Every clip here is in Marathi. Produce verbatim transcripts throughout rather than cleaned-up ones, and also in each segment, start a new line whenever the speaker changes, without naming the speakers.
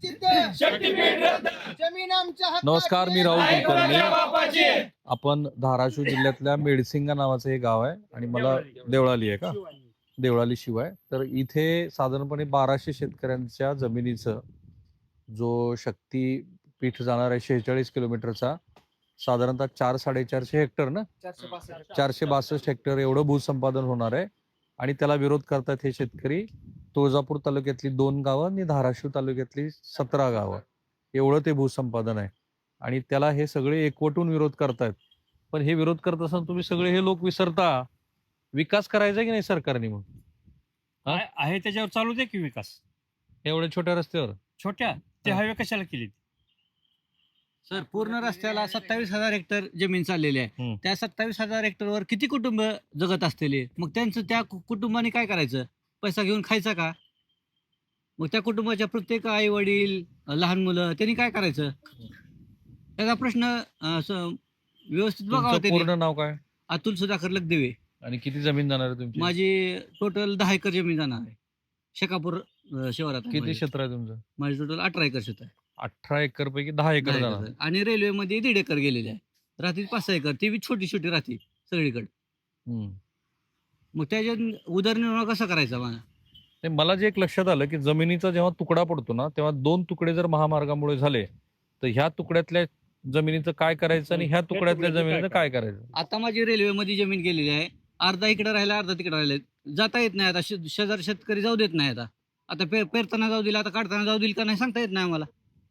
निश्चित जमीन आमच्या हक्काची
नमस्कार, मी राहुल
आहे.
कुलकर्णी. आपण धाराशिव जिल्ह्यातल्या मेडसिंगा नावाचं हे गाव आहे आणि मला देवळाली आहे का देवळाली शिवाय तर इथे साधारणपणे बाराशे शेतकऱ्यांच्या जमिनीचं जो शक्ती पीठ जाणार आहे शेहेचाळीस किलोमीटरचा साधारणतः चार साडेचारशे हेक्टर ना चारशे बासष्ट हेक्टर एवढं भूसंपादन होणार आहे आणि त्याला विरोध करतात हे शेतकरी. तुळजापूर तालुक्यातली दोन गावं आणि धाराशिव तालुक्यातली सतरा गावं एवढं ते भूसंपादन आहे आणि त्याला हे सगळे एकवटून विरोध करतायत. पण हे विरोध करत असताना तुम्ही सगळे हे लोक विसरता विकास करायचा की नाही सरकारने. मग हा?
आहे आहे त्याच्यावर चालू दे की विकास.
एवढ्या छोट्या रस्त्यावर
छोट्या ते
हा.
हायवे कशाला केली?
सर पूर्ण रस्त्याला सत्तावीस हजार हेक्टर जमीन चाललेली आहे.
हम्म.
त्या सत्तावीस हजार हेक्टरवर किती कुटुंब जगत असलेले, मग त्यांचं त्या कु- कुटुंबाने काय करायचं? पैसा घेऊन खायचा का? मग त्या कुटुंबाच्या प्रत्येक आई वडील लहान मुलं त्यांनी काय करायचं? त्याचा प्रश्न अं, स- व्यवस्थित बघावा
तुमचं
त्यांनी.
पूर्ण नाव काय
अतुल सुधाकर लखदेवे.
आणि किती जमीन जाणार आहे तुमची?
माझी टोटल दहा एकर जमीन जाणार आहे शेकापूर अं, शिवारात आहे
किती
माझी.
क्षेत्र आहे तुमचं?
माझी टोटल अठरा एकर शेत आहे.
अठरा एकर पैकी दहा एकर
दहा
जाणार.
एकर. आणि रेल्वेमध्ये दीड एकर गेलेले आहे. रात्री पाच सहा एकर ती बी छोटी छोटी राहते सगळीकडे.
हम्म.
मग त्याच्यात उदरनिर्वाह कसा करायचा मला?
ते मला जे एक लक्षात आलं की जमिनीचा जेव्हा तुकडा पडतो ना तेव्हा दोन तुकडे जर महामार्गामुळे झाले तर ह्या तुकड्यातल्या जमिनीचं काय करायचं आणि ह्या तुकड्यातल्या जमिनीचं काय करायचं?
आता माझी रेल्वेमध्ये जमीन गेलेली आहे. अर्धा इकडे राहिला अर्धा तिकडे राहिले. जाता येत नाही आता. शे- शेजार शेतकरी जाऊ देत नाही आता. आता पे पेरताना जाऊ दिला, आता काढताना जाऊ दिल का नाही सांगता येत नाही आम्हाला.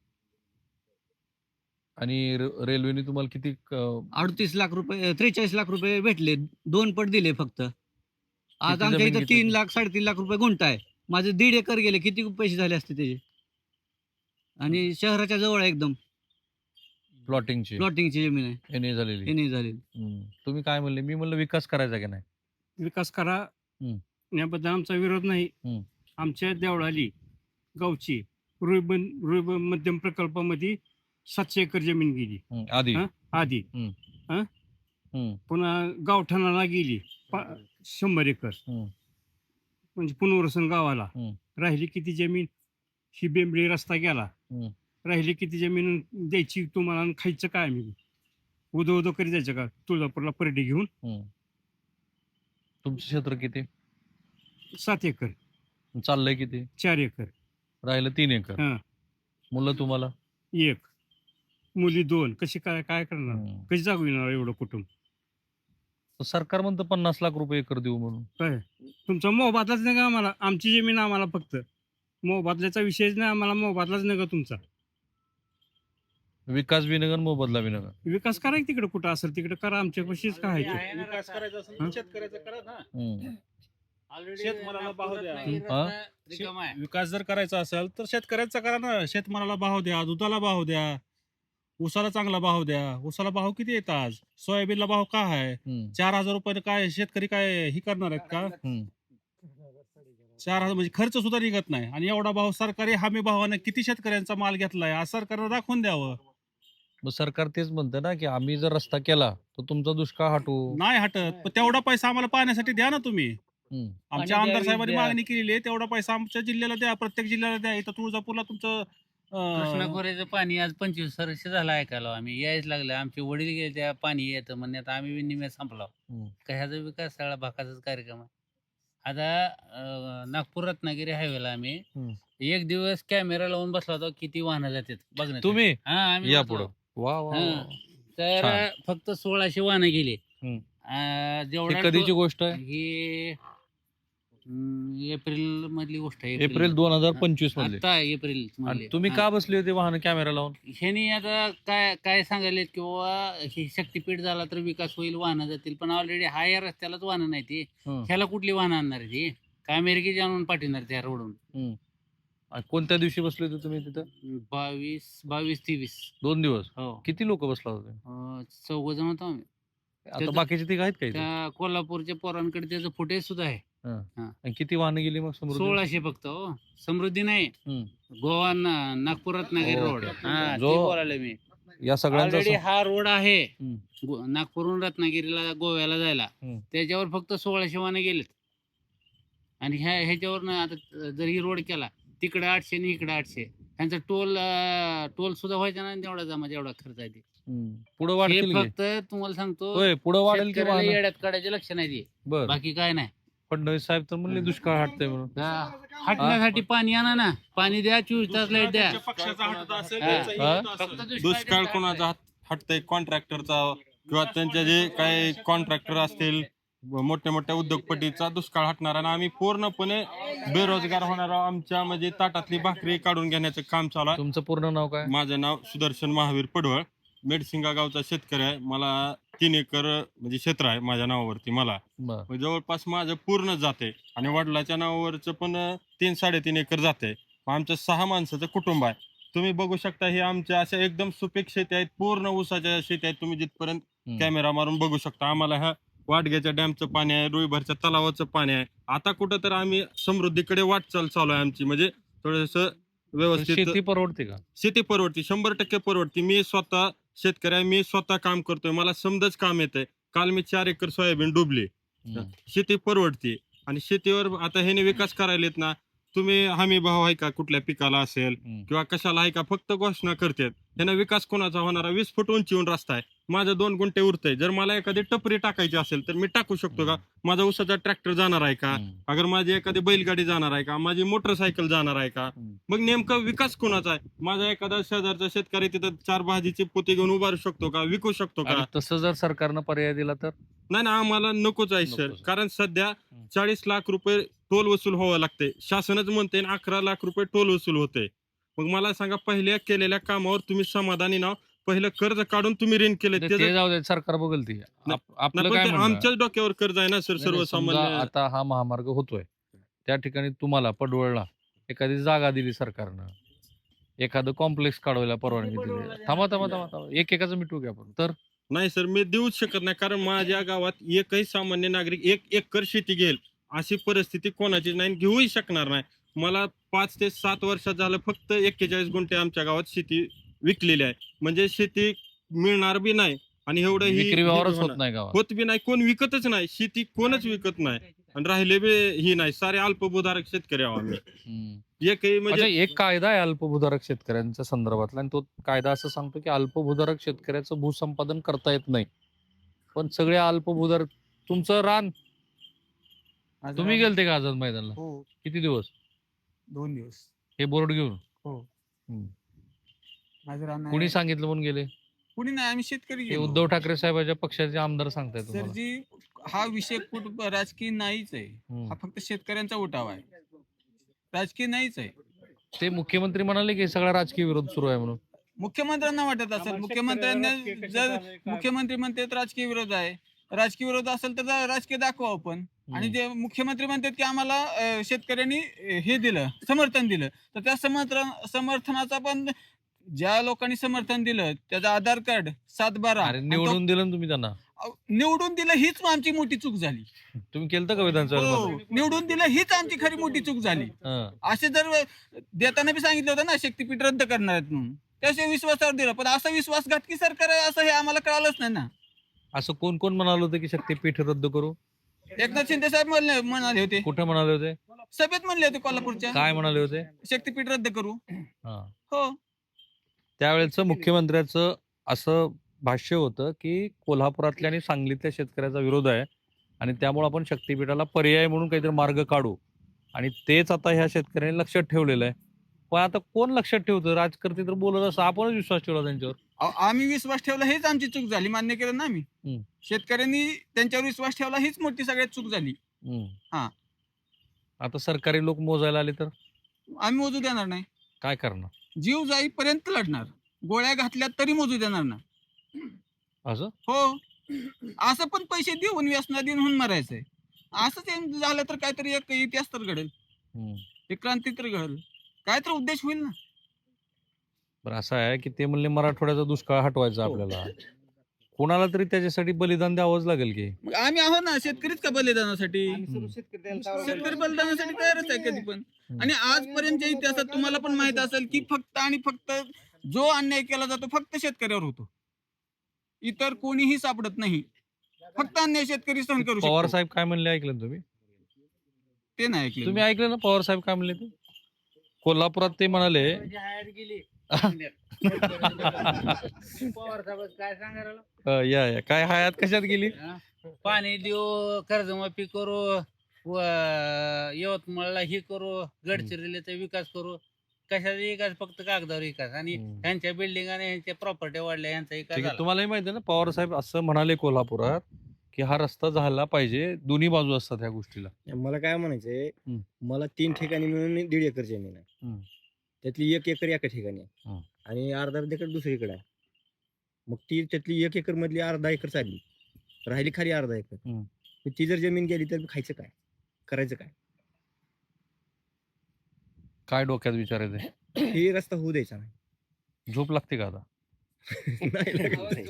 आणि र- रेल्वेने तुम्हाला किती क-
अडतीस लाख रुपये त्रेचाळीस लाख रुपये भेटले. दोन पट दिले फक्त. आज
किती
आमच्या
जमीन
इथं
घेतली
तीन
तुम्ही?
लाख साडेतीन लाख रुपये गुंठा आहे. माझे दीड एकर गेले. किती पैसे झाले असते त्याचे? आणि शहराच्या जवळ आहे एकदम.
प्लॉटिंगची
प्लॉटिंगची जमीन आहे.
एन ए झालेली.
हे नाही झालेली.
हम्म. तुम्ही काय म्हणले? मी म्हणलं विकास करायचा की नाही.
विकास करा
हम्म.
याबद्दल आमचा विरोध नाही.
हम्म.
आमच्या देवळाली गावची रुईबन रुईबन मध्यम प्रकल्पामध्ये सातशे एकर जमीन गेली
हम्म. आधी
हा? आधी.
हम्म.
पुन्हा गावठाणाला गेली पा- शंभर एकर.
हम्म.
म्हणजे पुनर्वसन गावाला
हम्म.
राहिली किती जमीन? ही बेंबळी रस्ता गेला.
हम्म.
राहिली किती जमीन द्यायची तुम्हाला आणि खायचं काय? आम्ही उदो उदो करी जायचं का तुळजापूरला परडी घेऊन?
हम्म. तुमचं क्षेत्र किती?
सात एकर
चाललंय किती?
चार एकर
राहिलं तीन एकर.
हा.
मुलं तुम्हाला?
एक मुली दोन. कशी काय काय करणार?
हम्म.
कशी जागू येणार एवढं कुटुंब?
तर सरकार म्हणतं पन्नास लाख रुपये एकर देऊ म्हणून.
काय तुमचा मोबादलाच नाही का आम्हाला? आमची जमीन आम्हाला फक्त मोबादल्याचा विषयच नाही. आम्हाला मोबादलाच नाही का तुमचा?
विकास बी नगर मोबदला बी नगर.
विकास करा की तिकडे कुठं असेल तिकडे करा. आमच्या कशीच काय आहे ते.
विकास करायचा असेल
हा?
तर शेतकऱ्याचा करा ना.
हम्म.
शेतमालाला भाव द्या.
हा?
शे- विकास जर करायचा असेल तर शेतकऱ्याचा करा ना. शेतमालाला भाव द्या, दुधाला भाव द्या, ऊसाला चांगला भाव द्या. ऊसाला भाव किती येत आज? सोयाबीनला भाव काय आहे?
हम्म.
चार हजार रुपये काय शेतकरी काय ही करणार आहेत का?
हम्म.
चार हजार म्हणजे खर्च सुद्धा निघत नाही. आणि एवढा भाव सरकारी हमी भावाने किती शेतकऱ्यांचा माल घेतलाय आज सरकारनं दाखवून द्यावं.
मग सरकार तेच म्हणतं ना की आम्ही जर रस्ता केला तर तुमचा दुष्काळ हटू.
नाही हटत. पण तेवढा पैसा आम्हाला पाहण्यासाठी द्या ना तुम्ही.
हम्म.
आमच्या
पाणी
आमदार
द्यावी,
साहेबांनी
द्या.
मागणी केलेली आहे तेवढा पैसा आमच्या जिल्ह्याला द्या. प्रत्येक जिल्ह्याला द्या. इथं तुळजापूरला तुमचं अं,
कृष्णाखोऱ्याचं पाणी आज पंचवीस वर्ष झालं ऐकायला आम्ही यायच लागलं. आमचे वडील गेले त्या पाणी येतं म्हणण्यात आम्ही बी निम्या संपला.
हम्म.
कशाचा विकास सगळा भाकाचाच कार्यक्रम आहे. आता अं, नागपूर रत्नागिरी हायवेला आम्ही
हम्म.
एक दिवस कॅमेरा लावून बसला होता किती वाहनं जातात बघ.
तुम्ही
हा आम्ही
या
बसलो.
पुढं. वा वा
हा.
वा.
तर
छान.
फक्त सोळाशे वाहनं गेली.
हम्म.
अं,
ही
जेवढा
कधीची
तो-
गोष्ट आहे?
ही हम्म, एप्रिल मधली गोष्ट आहे.
एप्रिल दोन हजार पंचवीस मधली.
आता एप्रिल
आणि
मधली.
तुम्ही
हा.
का बसले होते वाहन कॅमेरा लावून?
ह्यानी आता काय काय सांगायलेत की बाबा हे शक्तीपीठ झाला तर विकास होईल वाहनं जातील. पण ऑलरेडी हा या रस्त्यालाच वाहनं नाही ती.
हं.
ह्याला कुठली वाहनं आणणार आहे ती? काय अमेरिकेची आणून पाठवणार त्या रोडून?
हम्म. आणि कोणत्या दिवशी बसले होते तुम्ही तिथं?
बावीस बावीस तेवीस.
दोन दिवस.
हो
किती लोक बसला होते?
अं, चौघ जण होतो आम्ही.
आता
त्याचं-
बाकीचे तिघ आहेत का इथे?
त्या कोल्हापूरच्या पोरांकडे त्याचं फुटेज सुद्धा आहे.
आणि किती वाहनं गेली मग समृद्धी?
सोळाशे फक्त. हो समृद्धी नाही.
हम्म.
गोवा ना- नागपूर रत्नागिरी
हो.
रोड. हा
जो-
ते बोलायला मी.
या सगळ्यांचा
ऑलरेडी
सम-
हा रोड आहे
हम्म.
गो- नागपूरहून रत्नागिरीला गोव्याला जायला.
हम्म.
त्याच्यावर फक्त सोळाशे वाहनं गेलेत. आणि ह्या ह्याच्यावर आता जर ही रोड केला तिकडे आठशे आणि इकडे आठशे त्यांचा टोल अं, टोल सुद्धा व्हायचा नाही तेवढा जमा जेवढा खर्च आहे ते.
पुढे
हे
वाढतील की?
फक्त तुम्हाला सांगतो
होय पुढे वाढेल की
शेतकऱ्याला
वाहनं?
येड्यात काढायचे लक्ष नाही ते,
बर
बाकी काय नाही.
फडणवीस साहेब तर म्हणले दुष्काळ हटतंय म्हणून.
हा, हटण्यासाठी पाणी आणा ना, पाणी द्या, चोवीस तास लाईट द्या.
ज्यांच्या पक्षाचा हटत असेल
हा.
त्यांचाही
हा?
हटत
फक्त
असेल.
दुष्काळ
दुष्काळ कोणाचा हात हटतंय कॉन्ट्रॅक्टरचा किंवा त्यांच्या जे काही कॉन्ट्रॅक्टर असतील मोठ्या मोठ्या उद्योगपतीचा दुष्काळ हटणार आणि आम्ही पूर्णपणे बेरोजगार होणार आहोत. आमच्या म्हणजे ताटातली भाकरी काढून घेण्याचं काम चालू आहे.
तुमचं पूर्ण नाव काय?
माझं नाव सुदर्शन महावीर पडवळ, मेडसिंगा गावचा शेतकरी आहे. मला तीन एकर म्हणजे क्षेत्र आहे माझ्या नावावरती. मला
बर
म्हणजे जवळपास माझं पूर्ण जाते आणि वडिलाच्या नावावरचं पण तीन साडेतीन एकर जाते. आमचं सहा माणसाचं कुटुंब आहे. तुम्ही बघू शकता हे आमच्या अशा एकदम सुपीक शेती आहेत, पूर्ण ऊसाच्या शेती आहेत. तुम्ही जिथपर्यंत
हम्म.
कॅमेरा मारून बघू शकता. आम्हाला ह्या वाडग्याच्या डॅमचं पाणी आहे, रुईभरच्या तलावाचं पाणी आहे. आता कुठं तर आम्ही समृद्धीकडे वाटचाल चालू आहे आमची, म्हणजे थोडस व्यवस्थित
शेती परवडते का?
शेती परवडती, शंभर टक्के परवडती. मी स्वतः शेतकरी आहे, मी स्वतः काम करतोय, मला समजाच काम येतंय. काल मी चार एकर सोयाबीन डुबली.
हम्म.
शेती परवडती आणि शेतीवर आता ह्याने विकास करायलेत ना. तुम्ही हमी भाव आहे का कुठल्या पिकाला असेल
हम्म.
किंवा कशाला आहे का, फक्त घोषणा करतात. ह्यानं विकास कोणाचा होणारा? वीस फूट उंचीवून रस्ता आहे, माझं दोन गुंठे उरतंय. जर मला एखादी टपरी टाकायची असेल तर मी टाकू शकतो का? माझा ऊसाचा ट्रॅक्टर जाणार आहे का?
हम्म.
अगर माझी एखादी बैलगाडी जाणार आहे का? माझी मोटरसायकल जाणार आहे का?
हम्म.
मग नेमका विकास कोणाचा आहे? माझा एखादा शेजारचा शेतकरी तिथं चार भाजीची पोती घेऊन उभारू शकतो का? विकू शकतो का?
आणि तसं जर सरकारनं पर्याय दिला तर?
नाही ना, आम्हाला नकोच आहे सर.
नकोच आहे.
कारण सध्या
हम्म.
चाळीस लाख रुपये टोल वसूल व्हावं लागते. शासनच म्हणते अकरा लाख रुपये टोल वसूल होते. मग मला सांगा, पहिल्या केलेल्या कामावर तुम्ही समाधानी नाव? पहिलं कर्ज काढून तुम्ही ऋण केले
ते
त्याचं-
जाऊ दे, सरकार बघेल ती. आप-
नाही,
आपलं
पण
काय
ते
म्हणणं आहे?
आमच्याच डोक्यावर कर्ज आहे ना सर,
नाही, नाही, समजा
सर्वसामान्य.
आता हा महामार्ग होतोय, त्या ठिकाणी तुम्हाला पडवळला एखादी जागा दिली सरकारनं, एखादं कॉम्प्लेक्स काढवायला परवानगी दिली. थांबा थांबा थांबा थांबा एक एकाचं मिटू घ्या आपण. तर
नाही सर, मी देऊच शकत नाही. कारण माझ्या गावात एकही सामान्य नागरिक एक एकर शेती घेईल अशी परिस्थिती कोणाचीच नाही, घेऊही शकणार नाही. मला पाच ते सात वर्षात झालं फक्त एक्केचाळीस गुंठे आमच्या गावात शेती विकलेली आहे. म्हणजे शेती मिळणार बी नाही आणि एवढं ही
विक्री
ही
व्यवहारच
होणार.
होत नाही गावात.
होत बी नाही, कोण विकतच नाही शेती, कोणच विकत नाही. आणि राहिले बी ही नाही, सारे अल्पभूधारक शेतकरी आहोत आम्ही.
हम्म.
एकही
अच्छा,
म्हणजे
एक कायदा आहे अल्पभूधारक शेतकऱ्यांच्या संदर्भातला आणि तो कायदा असं सांगतो की अल्पभूधारक शेतकऱ्याचं भूसंपादन करता येत नाही. पण सगळे अल्पभूधारक, तुमचं रान तुम्ही गेलते का आझाद मैदानला?
हो,
किती दिवस?
दोन दिवस.
हे बोर्ड घेऊन?
हो.
हम्म.
माझं रान
कुणी
आहे.
सांगितलं म्हणून गेले?
कुणी नाही, आम्ही शेतकरी
हे
गेलो.
उद्धव ठाकरे साहेबांच्या पक्षाचे आमदार सांगताय
सर
तुम्हाला?
जी हा विषय कुठ राजकीय नाहीच आहे.
हम्म.
हा फक्त शेतकऱ्यांचा उठाव आहे, राजकीय नाहीच आहे.
ते मुख्यमंत्री म्हणाले की सगळा राजकीय विरोध सुरू आहे म्हणून.
मुख्यमंत्र्यांना वाटत असेल, मुख्यमंत्र्यांना जर मुख्यमंत्री म्हणतात राजकीय विरोध आहे, राजकीय विरोध असेल तर जा- राजकीय दाखवा आपण. आणि जे मुख्यमंत्री म्हणतात की आम्हाला अं, शेतकऱ्यांनी अं, हे दिलं, समर्थन दिलं, तर त्या समर्थन समर्थनाचा पण ज्या लोकांनी समर्थन दिलं त्याचं आधार कार्ड सात बारा
अरे निवडून दिलं ना तुम्ही त्यांना?
निवडून दिलं हीच आमची मोठी चूक झाली.
तुम्ही केलं का विधानसभेत?
हो, निवडून दिलं हीच आमची खरी मोठी चूक झाली.
हं.
असे जर देताना बी सांगितलं होतं ना शक्तीपीठ रद्द करणार आहेत म्हणून, त्याशिवाय विश्वासावर दिलं, पण असा विश्वासघातकी सरकार आहे असं हे आम्हाला कळालंच नाही ना.
असं कोण कोण म्हणाल होतं की शक्तीपीठ रद्द करू?
एकनाथ शिंदे साहेब म्हणले म्हणाले होते,
कुठे म्हणाले होते?
सभेत म्हणले होते कोल्हापूरच्या,
काय म्हणाले होते?
शक्तीपीठ रद्द करू.
हा.
हो,
त्यावेळेचं मुख्यमंत्र्याचं असं भाष्य होतं की कोल्हापुरातल्या आणि सांगलीतल्या शेतकऱ्याचा विरोध आहे आणि त्यामुळे आपण शक्तीपीठाला पर्याय म्हणून काहीतरी मार्ग काढू, आणि तेच आता ह्या शेतकऱ्यांनी लक्षात ठेवलेलं आहे. पण आता कोण लक्षात ठेवतं? राजकर्ते तर बोलत असं, आपणच विश्वास ठेवला त्यांच्यावर.
अहो, आम्ही विश्वास ठेवला हेच आमची चूक झाली, मान्य केलं ना आम्ही.
हम्म.
शेतकऱ्यांनी त्यांच्यावर विश्वास ठेवला हीच मोठी सगळ्यात चूक झाली.
हम्म.
हा.
आता सरकारी लोक मोजायला आले तर
आम्ही मोजू देणार नाही,
काय करणार?
जीव जाईपर्यंत लढणार, गोळ्या घातल्या तरी मोजू देणार ना.
असं
हो, असं पण पैसे देऊन व्यसना देऊन होऊन मरायचंय. असंच हे झालं तर काहीतरी एक इतिहास तर घडेल,
हम्म.
एक क्रांती तर घडेल, काय तर उद्देश होईल ना.
बरं असं आहे की ते म्हणले मराठवाड्याचा दुष्काळ हटवायचा
हो.
आपल्याला, कोणाला तरी त्याच्यासाठी बलिदान द्यावंच लागेल की.
मग आम्ही आहोत ना, शेतकरीच का बलिदानासाठी, शेतकरी बलिदानासाठी तयारच आहे कधी पण. आणि आजपर्यंतच्या इतिहासात तुम्हाला पण माहित असेल की फक्त आणि फक्त जो अन्याय केला जातो फक्त शेतकऱ्यावर होतो, इतर कोणीही सापडत नाही. फक्त अन्याय शेतकरी सहन करू
पवार
शकतो.
साहेब काय म्हणले ऐकलं ना तुम्ही?
ते नाही ऐकलं.
तुम्ही ऐकलं ना पवार साहेब काय म्हणले ते? कोल्हापुरात ते म्हणाले
म्हणजे हयात गेली पवार साहेब काय सांगायला
अ, या या काय हयात कशात गेली?
हा? पाणी देऊ, कर्जमाफी करू, व यवतमाळला हे करू, गडचिरोलीचा विकास करू. कशाचा विकास? फक्त कागदावर विकास. आणि
हम्म.
ह्यांच्या बिल्डिंग आणि ह्यांच्या प्रॉपर्टी वाढल्या, यांचा विकास
ठीक आहे,
झाला.
तुम्हालाही माहिती आहे ना पवार साहेब असं म्हणाले कोल्हापुरात की हा रस्ता झाला पाहिजे, दोन्ही बाजू असतात ह्या गोष्टीला.
मला काय म्हणायचंय,
हम्म.
मला तीन ठिकाणी मिळून दीड एकर जमीन आहे.
हम्म.
त्यातली एक एकर एका ठिकाणी
हम्म.
आहे आणि अर्धा एकर दुसरीकडे आहे. मग ती त्यातली एक एकर मधली अर्धा एकर चालली, राहिली खाली अर्धा एकर.
हम्म.
मग ती जर जमीन गेली तर खायचं काय, करायचं काय?
काय डोक्यात विचार येते?
हे रस्ता होऊ द्यायचा नाही.
झोप लागते का आता?
नाही लागत नाही.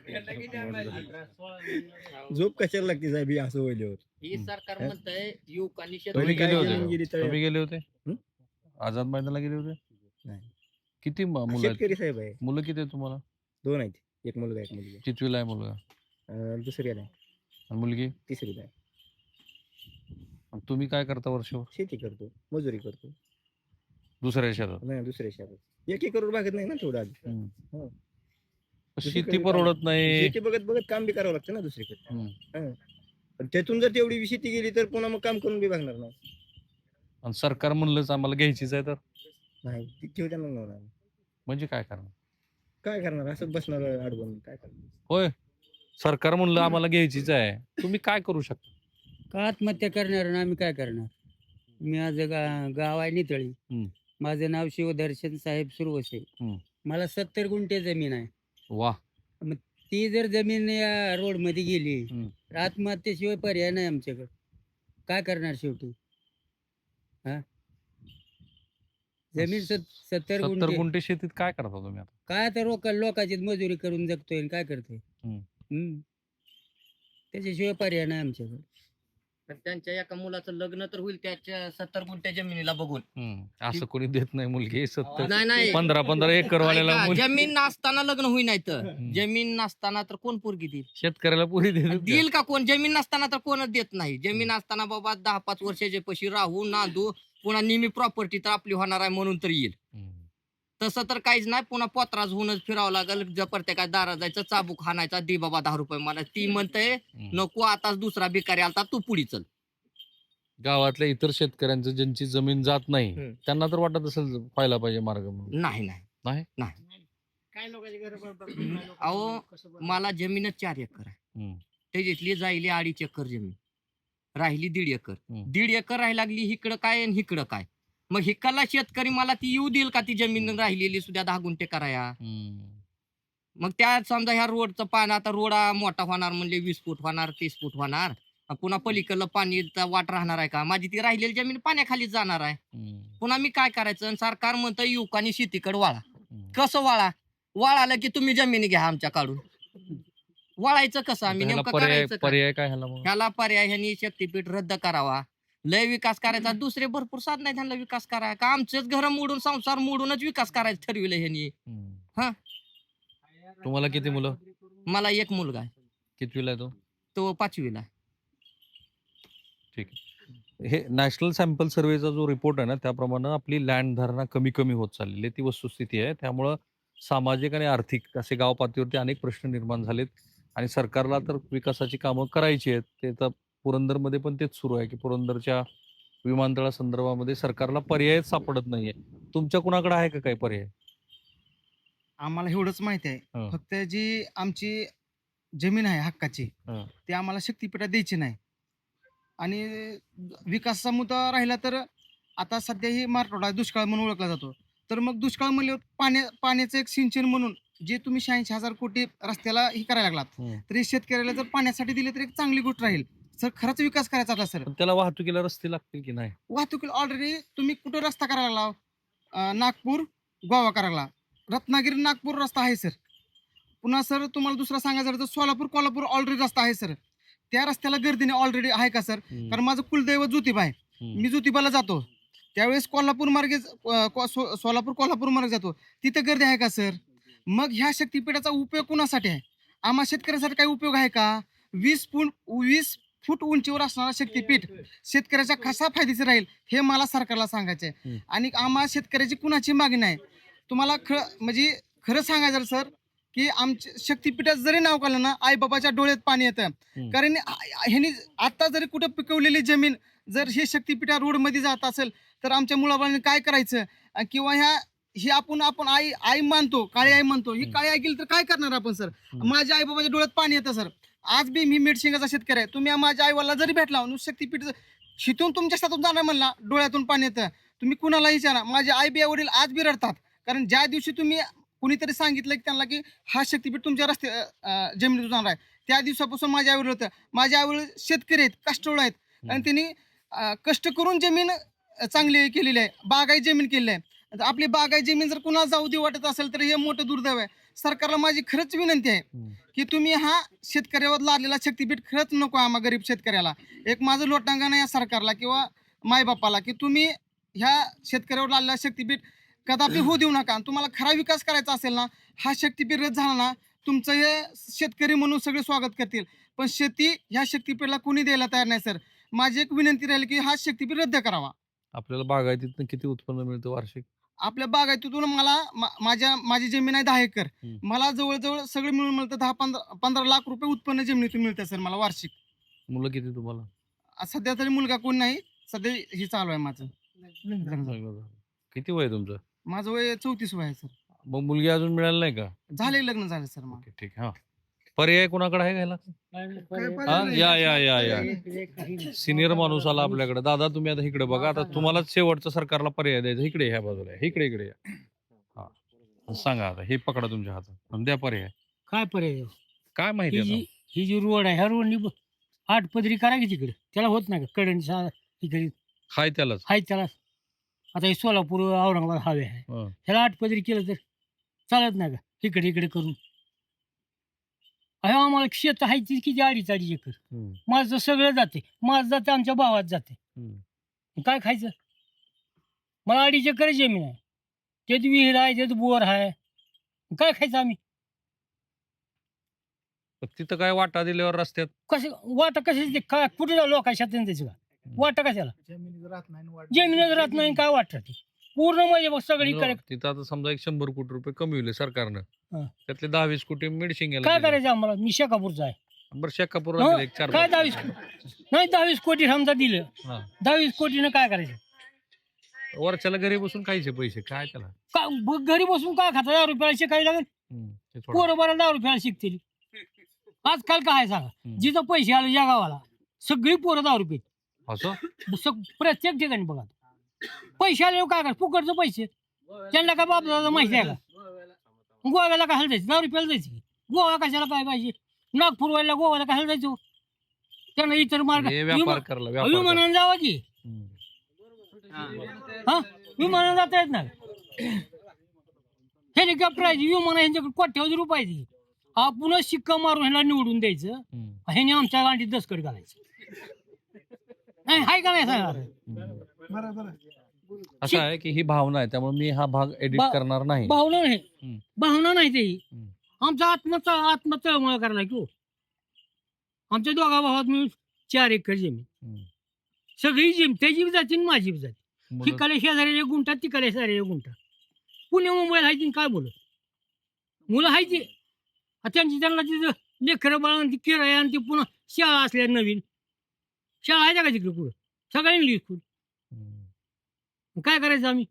झोप कशाला लागते साहेब हे असं होईल्यावर?
ही सरकार म्हणतंय युवकांनी
तुम्ही
काय
गेले
जमीन
होते
गेली तर-
तुम्ही गेले होते
हं?
आझाद मैदानाला गेले होते?
नाही.
किती म- मुलं आहेत?
शेतकरी साहेब आहे.
मुलं किती आहेत तुम्हाला?
दोन आहेत, एक मुलगा एक मुलगी.
कितवीला आहे मुलगा
अं, दुसरीला आहे,
आणि मुलगी?
तिसरीला आहे.
आणि तुम्ही काय करता वर्षभर?
शेती करतो, मजुरी करतो.
दुसऱ्या शेतात?
नाही दुसऱ्या शेतात एक एकरवर भागत नाही ना थोडं आधी.
हम्म.
हो.
शेती परवडत नाही.
शेती बघत बघत काम बी करावं लागतं ना दुसरीकडे.
हम्म.
हं. पण त्यातून जर तेवढी शेती गेली तर पुन्हा मग काम करून बी भागणार नाही.
आणि सरकार म्हणलंच आम्हाला घ्यायचीच आहे तर
नाही ती ठेव त्यांना होणार.
म्हणजे काय करणार?
काय करणार, असंच बसणार अडवून काय करणार?
होय, सरकार म्हणलं आम्हाला घ्यायचीच आहे, तुम्ही काय करू शकता?
का आत्महत्या करणार आणि आम्ही काय करणार? मी माझं गा गाव आहे नितळी.
हम्म.
माझं नाव शिवदर्शन साहेब सुरवसे.
हम्म.
मला सत्तर गुंठे जमीन आहे.
वा.
ती जर जमीन या रोड मध्ये गेली
हम्म.
तर आत्महत्येशिवाय पर्याय नाही आमच्याकडे. काय करणार शेवटी? हा जमीन सत- सत्तर
सत्तर
गुंठे
गुंठे शेतीत काय करता तुम्ही आता?
काय आता लोक लोकांची मजुरी करून जगतोय आणि काय करतोय?
हम्म.
हम्म. त्याच्याशिवाय पर्याय नाही आमच्याकडे.
तर त्यांच्या एका मुलाचं लग्न तर होईल त्याच्या सत्तर गुंठ्या जमिनीला बघून.
हम्म. असं कोणी देत नाही मुलगी सत्तर
नाही नाही
पंधरा पंधरा एकर वाल्याला
ऐका,
मुलगी.
जमीन नसताना लग्न होई नाही तर
हम्म.
जमीन नसताना तर कोण पोरगी देईल?
शेतकऱ्याला पुरी देत
देईल का कोण? जमीन नसताना तर कोणच देत नाही. जमीन असताना बाबा दहा पाच वर्षाचे पशी राहू नांदू पुन्हा निमी प्रॉपर्टी तर आपली होणार आहे म्हणून तर येईल. तसं तर काहीच नाही. पुन्हा पोत्राज होऊनच फिरावं लागेल. जर प्रत्येका दारा जायचं चाबूक हाणायचा दे बाबा दहा रुपये मला. ती म्हणते नको आताच दुसरा भिकारी आलता तू पुढी चल.
गावातल्या इतर शेतकऱ्यांचं ज्यांची जमीन जात नाही
हम्म.
त्यांना तर वाटत असेल व्हायला पाहिजे मार्ग म्हणून.
नाही नाही
नाही?
नाही.
काय लोकांची
अहो मला जमीनच चार एकर आहे.
हम्म.
त्याच्यातली जायली अडीच एकर जमीन राहिली दीड एकर.
हम्म.
दीड एकर राहायला लागली हिकडं काय आणि हिकडं काय. मग हिकडला शेतकरी मला ती येऊ देईल का ती जमीन राहिलेली सुद्धा दहा गुंठे कराया?
हम्म.
मग त्यात समजा ह्या रोडचं पाणी आता रोड मोठा होणार म्हणजे वीस फूट होणार तीस फूट होणार. आणि पुन्हा पलीकडलं पाणीचा वाट राहणार आहे का? माझी ती राहिलेली जमीन पाण्याखाली जाणार आहे.
हम्म.
पुन्हा मी काय करायचं? आणि सरकार म्हणतं युवकांनी शेतीकडे वाळा.
हम्म.
कसं वाळा? वाळालं की तुम्ही जमिनी घ्या आमच्या काढून. वाळायचं कसं आम्ही?
ह्याला
नेमकं
पर्याय
करायचं काय?
पर्याय काय ह्याला मग?
ह्याला पर्याय ह्यांनी शक्तीपीठ रद्द करावा. लय विकास करायचा. दुसरे भरपूर साधन आहेत ह्यांना विकास करायचा. का आमचेच घर मोडून संसार मोडूनच विकास करायचं ठरविलं ह्यांनी.
हम्म.
हा.
तुम्हाला किती मुलं?
मला एक मुलगा आहे,
कितवीला आहे तो?
तो पाचवीला आहे.
ठीक आहे. हे नॅशनल सॅम्पल सर्वेचा जो रिपोर्ट आहे ना त्याप्रमाणे आपली लँड धारणा कमी कमी होत चाललेली आहे ती वस्तुस्थिती आहे. त्यामुळं सामाजिक आणि आर्थिक असे गाव पातळीवरती अनेक प्रश्न निर्माण झालेत आणि सरकारला तर विकासाची कामं करायची आहेत. ते तर पुरंदरमध्ये पण तेच सुरू आहे की पुरंदरच्या विमानतळा संदर्भामध्ये सरकारला पर्यायच सापडत नाहीये. तुमच्या कुणाकडे आहे का काही पर्याय?
आम्हाला एवढंच माहिती आहे,
हं.
फक्त जी आमची जमीन आहे हक्काची
हं.
ती आम्हाला शक्तीपीठात द्यायची नाही. आणि विकासाचा मुद्दा राहिला तर आता सध्या ही मराठवाडा दुष्काळ म्हणून ओळखला जातो. तर मग दुष्काळ म्हणल्यावर पाण्या पाण्याचं एक सिंचन म्हणून जे तुम्ही शहाऐंशी हजार कोटी रस्त्याला हे करायला लागलात
हं.
तर हे शेतकऱ्याला जर पाण्यासाठी दिले तर एक चांगली गोष्ट राहील. सर खरंच विकास करायचा असला सर
पण त्याला वाहतुकीला रस्ते लागतील की नाही?
वाहतुकीला ऑलरेडी तुम्ही कुठं रस्ता करायला लागला? अं, नागपूर गोवा करायला, रत्नागिरी नागपूर रस्ता आहे सर. पुन्हा सर तुम्हाला दुसरा सांगायचं झालं तर सोलापूर कोल्हापूर ऑलरेडी रस्ता आहे सर. त्या रस्त्याला गर्दीने ऑलरेडी आहे का सर?
हम्म.
कारण माझं कुलदैवत ज्योतिबा आहे.
हम्म.
मी ज्योतिबाला जातो त्यावेळेस कोल्हापूर मार्गे अं, को- सो- सोलापूर कोल्हापूर मार्गे जातो तिथं गर्दी आहे का सर? मग ह्या शक्तीपीठाचा उपयोग कुणासाठी आहे? आम्हा शेतकऱ्यासाठी काही उपयोग आहे का? वीस फूट वीस फूट उंचीवर असणारा शक्तीपीठ शेतकऱ्याच्या कसा फायदेशीर राहील हे मला सरकारला सांगायचं आहे.
हम्म.
आणि आम्हाला शेतकऱ्याची कुणाची मागणी नाही. तुम्हाला ख म्हणजे खरं सांगायचं सर की आमच्या शक्तीपीठात जरी नाव काढलं ना आई बाबाच्या डोळ्यात पाणी येतं.
हम्म.
कारण आ- ह्यांनी आता जरी कुठं पिकवलेली जमीन जर हे शक्तीपीठा रोडमध्ये जात असेल तर आमच्या मुलाबाळांनी काय करायचं अं, किंवा ह्या ही आपण आपण आई आई मानतो, काळी आई म्हणतो, ही
हम्म.
काळी आई गेली तर काय करणार आपण सर?
हम्म.
माझ्या आई बाबाच्या डोळ्यात पाणी येतं सर. आज बी मी मेडशिंगाचा शेतकरी आहे. तुम्ही माझ्या आईवाला जरी भेटला शक्तीपीठ शिथून तुमच्या शेतातून जाणार म्हणला डोळ्यातून पाणी येतं. तुम्ही कुणाला विचारा, माझे आई बी वडील आज बी रडतात. कारण ज्या दिवशी तुम्ही कुणीतरी सांगितलं की त्यांना की हा शक्तीपीठ तुमच्या रस्ते अं, जमिनीतून जाणार आहे त्या दिवसापासून माझ्या आईवडील होतं. माझ्या आईवडील शेतकरी आहेत, कष्टवळ आहेत आणि त्यांनी अं, कष्ट करून जमीन अं, चांगली केलेली आहे, बागाई जमीन केलेली आहे. आता आपली बागाई जमीन जर कुणाला जाऊ दे वाटत असेल तर हे मोठं दुर्दैव आहे. सरकारला माझी खरंच विनंती आहे
हम्म.
की तुम्ही हा शेतकऱ्यावर लादलेला शक्तीपीठ खरंच नको आम्हा गरीब शेतकऱ्याला. एक माझं लोटांगण आहे या सरकारला किंवा मायबापाला की तुम्ही ह्या शेतकऱ्यावर लादलेला शक्तीपीठ कदापि होऊ देऊ नका. आणि तुम्हाला खरा विकास करायचा असेल ना, हा शक्तीपीठ रद्द झाला ना, तुमचं हे शेतकरी म्हणून सगळे स्वागत करतील, पण शेती ह्या शक्तीपीठला कोणी द्यायला तयार नाही सर. माझी एक विनंती राहील की हा शक्तीपीठ रद्द करावा.
आपल्याला बागायतीतून किती उत्पन्न मिळतं वार्षिक?
आपल्या बागायतीतून मला मा- माझ्या माझी जमीन आहे दहा एकर.
हम्म.
मला जवळजवळ सगळं मिळून मिळतं दहा पंधरा पंधरा लाख रुपये उत्पन्न जमिनीतून मिळतं सर मला वार्षिक.
मुलं किती तुम्हाला?
आ, सध्या तरी मुलगा कोण नाही, सध्या हे चालू आहे माझं.
चांगलं झालं. किती वय आहे तुमचं?
माझं वय चौतीस वय आहे सर.
मग मुलगी अजून मिळाली नाही का?
झाले लग्न झालं सर माझं.
ओके, ठीक. हा, पर्याय कोणाकडे आहे घ्यायला? हा, या या या या सिनियर माणूस आला आपल्याकडे. दादा तुम्ही आता इकडे बघा, आता तुम्हालाच शेवटचा सरकारला पर्याय द्यायचा. इकडे ह्या बाजूला आहे. इकडे इकडे या. हा, सांगा आता, हे पकडा तुमच्या हातात आणि द्या पर्याय.
काय पर्याय?
काय माहिती
ही
आता?
जी ही जी रोड आहे ह्या रोडनी ब- आठ पदरी करा की तिकडे, त्याला होत नाही का कडण इकडे
हाय त्यालाच.
आहे त्याला. आता हे सोलापूर औरंगाबाद हवे आहे,
हं.
ह्याला आठ पदरी केलं तर चालत नाही का इकडे इकडे करून? अहो आम्हाला शेत आहे ती किती अडीच अडीच एकर.
हम्म,
माझं सगळं जाते, माझं जाते, आमच्या भावात जाते.
हम्म.
काय खायचं? मला अडीच एकर जमीन आहे, त्यात विहीर आहे, त्यात बोर आहे, काय खायचं आम्ही?
पण तिथं काय वाटा दिल्यावर रस्त्यात?
कसे वाटा कशाची काय कुठे जाऊ लोकांच्या शेतात त्याचं का वाटा कशाला? जमिनीत राहत नाही काय वाटत ते पूर्ण म्हणजे मग सगळी
न,
काय
तिथं आता समजा एक शंभर कोटी रुपये कमविले सरकारनं,
हं.
त्यातले दहा वीस कोटी मेडिसिन
काय करायचं आम्हाला? मी शेकापूरचा आहे.
बरं शेकापूर
हं?
एक चार
काय दहावीस नाही दहावीस कोटी समजा दिलं,
हा.
दहावीस कोटीनं काय करायचं?
वर्षाला घरी बसून खायचे पैसे काय त्याला?
का ब- घरी बसून काय खाता? दहा रुपयाला शिकायला लागेल.
हम्म, ते सोडा.
पोरं बरं दहा रुपयाला शिकतील. आजकाल काय सांगा,
हम्म.
जिथं पैसे आले या गावाला सगळी पोरं दहा रुपये.
असं
सग- प्रत्येक ठिकाणी बघा पैसे आले काय करा फुकटचं पैसे. त्यांना काय बापदादा माहिती आहे का? गोव्याला कशाला जायचं? दहा रुपयाला जायचं. गोवा कशाला काय पाहिजे? नागपूरवाला गोव्याला कशाला जायचं? त्यांना इतर मार्ग
हे व्यापार
विमा-
करला व्यापार करला.
विमानानं जावा की.
हम्म.
हा विमानानं जाता येत नाही. हेलिकॉप्टर आहे, विमान ह्यांच्याकडे कोट्यावधी रुपये आहे. आपण शिक्का मारून ह्याला निवडून द्यायचं,
हम्म.
ह्याने आमच्या गांडीत दसकट घालायचं. नाही हाय का नाही सांगा?
हम्म. असं आहे की ही भावना आहे, त्यामुळे मी हा भाग एडिट
बा-
करणार नाही.
भावना नाही,
हम्म.
भावना नाही ते
हम्म.
आमचा आत्मचा आत्मतळमळ करणार की हो. आमच्या दोघा भावात मिळून चार एकर जमीन,
हम्म.
सगळी जमीन त्याची बी जाती आणि माझी बी जाती.
मुलं-
तिकडे शेजारी एक गुंठा, तिकडे शेजारी एक गुंठा. पुणे मुंबईला आहे ती काय बोलत मुलं आहे ती आ त्यांची त्यांना तिथं लेकरं बाळा ती किराया आणि ती पुन्हा शाळा असल्या नवीन शाळा आहे का तिकडे पुढं सगळ्या इंग्लिश स्कूल.
हम्म.
काय करायचं आम्ही?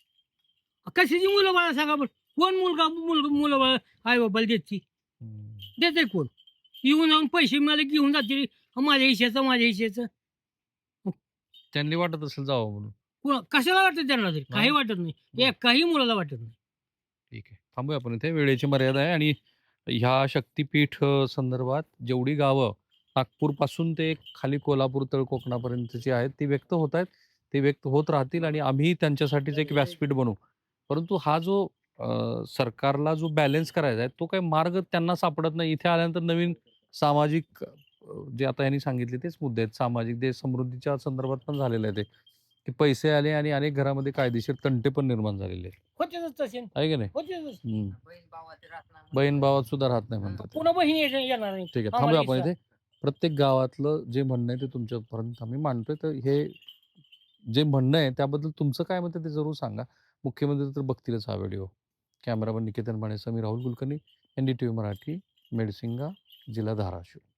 कशाची मुलं बाळा सांगा बरं? कोण मुलगा मुलगा मुलं बाळा आई बाबाला देते?
हम्म.
देते कोण? येऊन जाऊन पैसे मला घेऊन जाते माझ्या हिश्याचं माझ्या हिश्याचं.
त्यांनी वाटत असेल जावं म्हणून.
कुणा कशाला वाटतं त्यांना तरी? काही वाटत नाही, एक काही मुलाला वाटत नाही.
ठीक आहे, थांबूया आपण इथे. वेळेची मर्यादा आहे आणि ह्या शक्तीपीठ अ, संदर्भात जेवढी गावं नागपूरपासून ते खाली कोल्हापूर तळ कोकणापर्यंतची आहेत ती व्यक्त होत आहेत, ते व्यक्त होत राहतील आणि आम्ही त्यांच्यासाठीच एक व्यासपीठ बनवू. परंतु हा जो अ, सरकारला जो बॅलन्स करायचा आहे तो काही मार्ग त्यांना सापडत नाही. इथे आल्यानंतर नवीन सामाजिक अ, जे आता यांनी सांगितले तेच मुद्दे आहेत. सामाजिक देश समृद्धीच्या संदर्भात पण झालेलं आहे ते, की पैसे आले आणि अनेक घरामध्ये कायदेशीर तंटे पण निर्माण झालेले आहेत.
होतेच तसे
आहे की नाही?
होतेच.
हम्म.
बहीण भावाचे राहत नाही.
बहीण भावात सुद्धा राहत नाही म्हणतात.
पुन्हा बहिणी येणार नाही.
ठीक आहे,
आम्हाला
थांबूया आपण
इच्छा.
इथे. प्रत्येक गावातलं जे म्हणणं आहे ते तुमच्यापर्यंत आम्ही मांडतोय. तर हे जे म्हणणं आहे त्याबद्दल तुमचं काय मत आहे ते जरूर सांगा. मुख्यमंत्री तर बघतीलच हा व्हिडिओ. कॅमेरामन निकेतन मानेसह मी Rahul Kulkarni, N D T V Marathi, Medsinga, जिल्हा धाराशिव.